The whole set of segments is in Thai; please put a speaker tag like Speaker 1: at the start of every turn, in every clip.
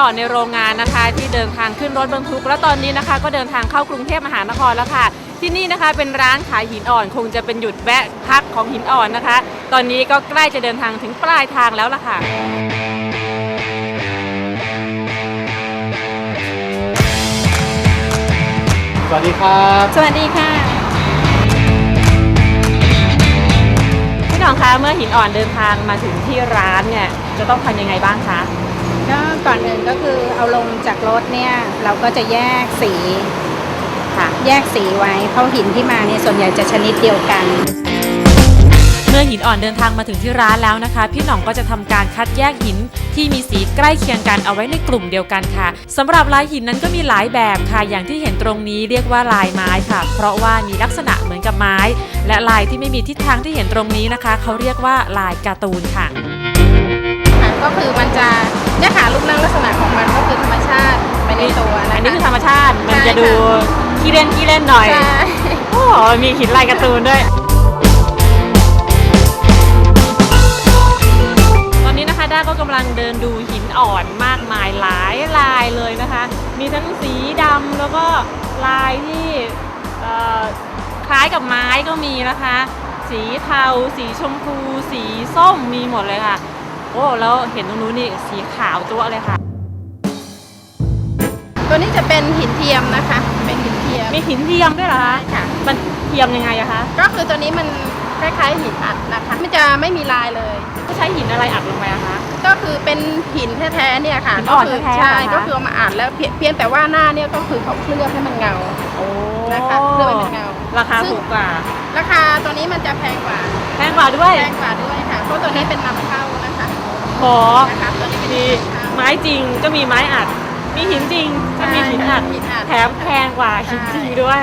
Speaker 1: อนในโรงงานนะคะที่เดินทางขึ้นรถบรรทุกแล้วตอนนี้นะคะก็เดินทางเข้ากรุงเทพมหานครแล้วค่ะที่นี่นะคะเป็นร้านขายหินอ่อนคงจะเป็นหยุดแวะพักของหินอ่อนนะคะตอนนี้ก็ใกล้จะเดินทางถึงปลายทางแล้วล่ะค่ะ
Speaker 2: สวัสดีครับ
Speaker 1: สวัสดีค่ะพี่น้องคะเมื่อหินอ่อนเดินทางมาถึงที่ร้านเนี่ยจะต้องทำยังไงบ้างคะ
Speaker 3: ก็ก่อนอื่นก็คือเอาลงจากรถเนี่ยเราก็จะแยกสีค่ะแยกสีไว้เพราะหินที่มาเนี่ยส่วนใหญ่จะชนิดเดียวกัน
Speaker 1: เมื่อหินอ่อนเดินทางมาถึงที่ร้านแล้วนะคะพี่หน่องก็จะทำการคัดแยกหินที่มีสีใกล้เคียงกันเอาไว้ในกลุ่มเดียวกันค่ะสำหรับลายหินนั้นก็มีหลายแบบค่ะอย่างที่เห็นตรงนี้เรียกว่าลายไม้ค่ะเพราะว่ามีลักษณะเหมือนกับไม้และลายที่ไม่มีทิศทางที่เห็นตรงนี้นะคะเขาเรียกว่าลายการ์ตูนค่ะ
Speaker 3: ก็คือมันจะเนี่ยค่ะรูปร่างลักษณะของมันก็คือธรรมชาติไปในตัวนะคะ
Speaker 1: อันนี้คือธรรมชาติมันจะดูขี้เล่นหน่อยโอ้มีหินลายการ์ตูนด้วยด้าก็กำลังเดินดูหินอ่อนมากมายหลายลายเลยนะคะมีทั้งสีดำแล้วก็ลายที่คล้ายกับไม้ก็มีนะคะสีเทาสีชมพูสีส้มมีหมดเลยค่ะโอ้แล้วเห็นตรงนู้นนี่สีขาวจั๊วเลยค่ะ
Speaker 3: ตัวนี้จะเป็นหินเทียมนะคะเป็นหินเทียม
Speaker 1: มีหินเทียมด้วยเหรอคะ
Speaker 3: ค่ะ
Speaker 1: มันเทียมยังไงอะคะ
Speaker 3: ก็คือตัวนี้มันคล้ายๆหินอัดนะคะมันจะไม่มีลายเลย
Speaker 1: ใช้หินอะไรอัดลงไปอะคะ
Speaker 3: ก็คือเป็นหินแท้ๆเนี่ยค่ะ
Speaker 1: หินอ่อนแท้ๆ
Speaker 3: ใช่ก็คือมาอัดแล้วเพียงแต่ว่าหน้าเนี่ยก็คือเขาเคลือบให้มันเงานะคะเคลือบให้มันเงา
Speaker 1: ราคาถูกกว่า
Speaker 3: ราคาตัวนี้มันจะแพงกว่า
Speaker 1: ด้วย
Speaker 3: ค่ะเพราะตัวนี้เป็นนำเข้านะคะ
Speaker 1: โหมีไม้จริงก็มีไม้อัดมีหินจริงก็มีหินอัดแถมแพงกว่าหินจริงด้วย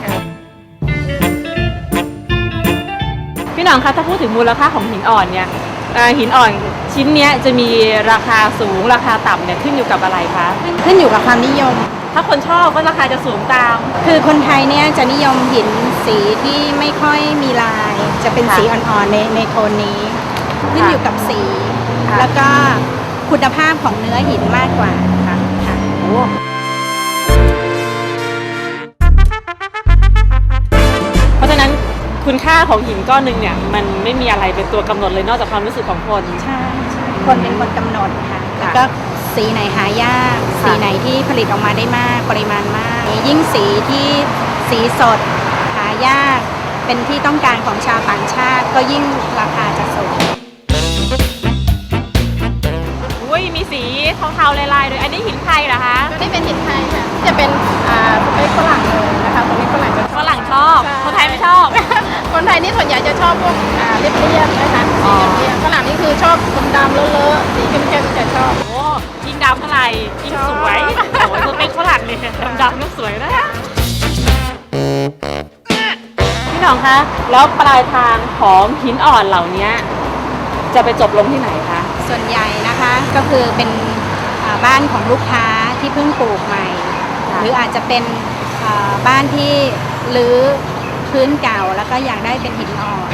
Speaker 1: พี่น้องคะถ้าพูดถึงมูลค่าของหินอ่อนเนี่ยหินอ่อนชิ้นนี้จะมีราคาสูงราคาต่ำเนี่ยขึ้นอยู่กับอะไรคะ
Speaker 3: ขึ้นอยู่กับความนิยม
Speaker 1: ถ้าคนชอบก็ราคาจะสูงตาม
Speaker 3: คือคนไทยเนี่ยจะนิยมหินสีที่ไม่ค่อยมีลายจะเป็นสีอ่อนๆในโทนนี้ขึ้นอยู่กับสีแล้วก็คุณภาพของเนื้อหินมากกว่าค่ะ
Speaker 1: โอ้เพราะฉะนั้นคุณค่าของหินก้อนหนึ่งเนี่ยมันไม่มีอะไรเป็นตัวกำหนดเลยนอกจากความรู้สึกของคน
Speaker 3: ใช่คนเป็นคนกำหนดค่ะแล้วก็สีไหนหายากสีไหนที่ผลิตออกมาได้มากปริมาณมากยิ่งสีที่สีสดหายากเป็นที่ต้องการของชาวต่างชาติก็ยิ่งราคาจะสูง
Speaker 1: มีสีเทาๆลายๆด้วยอันนี้หินไทยเหรอคะ
Speaker 3: ตัวนี้เป็นหินไทยค่ะจะเป็นสเปคฝรั่งเลยนะคะตัวนี้ฝรั่ง
Speaker 1: ชอบคนไทยไม่ชอบ
Speaker 3: คนไทยนี่ส่วนใหญ่จะชอบพวกเรียบๆนะคะสีเรียบฝรั่งนี่คือชอบดำๆเลอะๆสีเข้มๆจะชอบ
Speaker 1: โอ้ยิ่งดำเท่าไหร่ยิ่งสวยโอ้สเปคฝรั่งเนี่ยดำๆก็สวยนะพี่น้องคะแล้วปลายทางของหินอ่อนเหล่านี้จะไปจบลงที่ไหนคะ
Speaker 3: ส่วนใหญ่นะคะก็คือเป็นบ้านของลูกค้าที่เพิ่งปลูกใหม่หรืออาจจะเป็นบ้านที่รื้อพื้นเก่าแล้วก็อยากได้เป็นหินอ่อน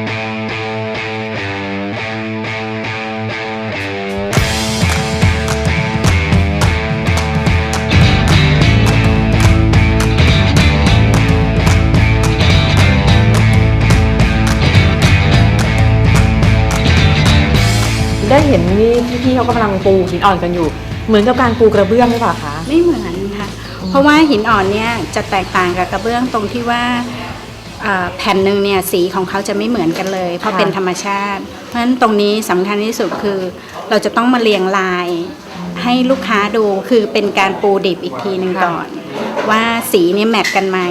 Speaker 1: ได้เห็นนี่พี่เขากำลังปูหินอ่อนกันอยู่เหมือนกับการปูกระเบื้องหรือเปล่าคะ
Speaker 3: ไม่เหมือนค่ะเพราะว่าหินอ่อนเนี่ยจะแตกต่างกับกระเบื้องตรงที่ว่าแผ่นหนึ่งเนี่ยสีของเขาจะไม่เหมือนกันเลยเพราะเป็นธรรมชาติเพราะฉะนั้นตรงนี้สำคัญที่สุดคือเราจะต้องมาเรียงลายให้ลูกค้าดูคือเป็นการปูดิบอีกทีหนึ่งก่อนว่าสีเนี่ยแมทกันไหม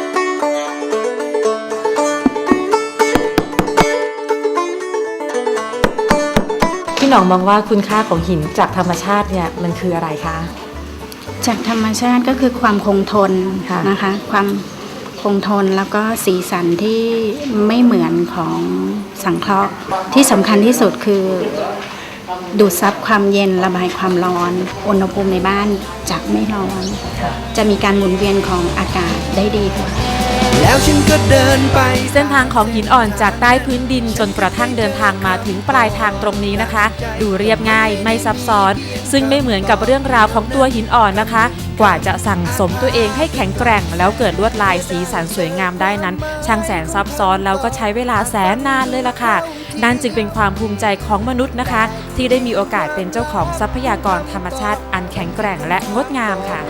Speaker 1: พี่หน่องมองว่าคุณค่าของหินจากธรรมชาติเนี่ยมันคืออะไรคะ
Speaker 3: จากธรรมชาติก็คือความคงทนนะคะความคงทนแล้วก็สีสันที่ไม่เหมือนของสังเคราะห์ที่สำคัญที่สุดคือดูดซับความเย็นระบายความร้อนอุณหภูมิในบ้านจะไม่ร้อนจะมีการหมุนเวียนของอากาศได้ดีกว่า
Speaker 4: แล้วฉันก็เดินไป
Speaker 1: เส้นทางของหินอ่อนจากใต้พื้นดินจนกระทั่งเดินทางมาถึงปลายทางตรงนี้นะคะ ดูเรียบง่ายไม่ซับซ้อน ซึ่งไม่เหมือนกับเรื่องราวของตัวหินอ่อนนะคะ กว่าจะสั่งสมตัวเองให้แข็งแกร่งแล้วเกิดลวดลายสีสันสวยงามได้นั้น ช่างแสนซับซ้อนแล้วก็ใช้เวลาแสนนานเลยล่ะค่ะนั่นจึงเป็นความภูมิใจของมนุษย์นะคะ ที่ได้มีโอกาสเป็นเจ้าของทรัพยากรธรรมชาติอันแข็งแกร่งและงดงามค่ะ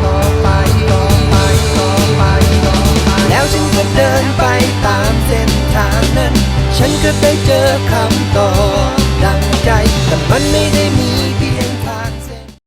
Speaker 4: แล้วฉันก็เดินไปตามเส้นทางนั้น ฉันก็ได้เจอคำตอบดังใจ แต่มันไม่ได้มีเพียง